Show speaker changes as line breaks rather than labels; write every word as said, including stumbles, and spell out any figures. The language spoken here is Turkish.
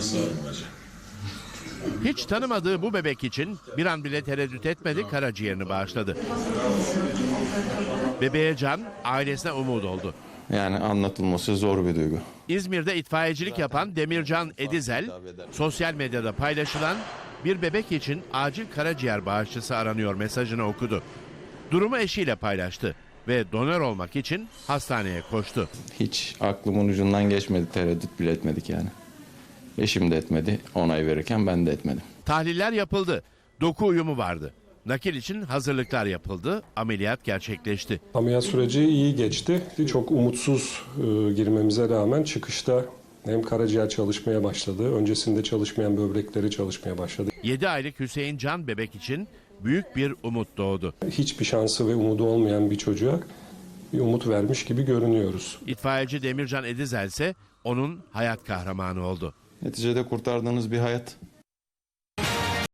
sağ olun hocam.
Hiç tanımadığı bu bebek için bir an bile tereddüt etmedi, karaciğerini bağışladı. Bebeğe can, ailesine umut oldu.
Yani anlatılması zor bir duygu.
İzmir'de itfaiyecilik yapan Demircan Edizel, sosyal medyada paylaşılan bir bebek için acil karaciğer bağışçısı aranıyor mesajını okudu. Durumu eşiyle paylaştı ve donör olmak için hastaneye koştu.
Hiç aklımın ucundan geçmedi, tereddüt bile etmedik yani. Eşim de etmedi, onay verirken ben de etmedim.
Tahliller yapıldı, doku uyumu vardı. Nakil için hazırlıklar yapıldı, ameliyat gerçekleşti.
Ameliyat süreci iyi geçti. Çok umutsuz e, girmemize rağmen çıkışta hem karaciğer çalışmaya başladı, öncesinde çalışmayan böbrekleri çalışmaya başladı.
yedi aylık Hüseyin Can bebek için büyük bir umut doğdu.
Hiçbir şansı ve umudu olmayan bir çocuğa bir umut vermiş gibi görünüyoruz.
İtfaiyeci Demircan Edizel ise onun hayat kahramanı oldu.
Neticede kurtardığınız bir hayat.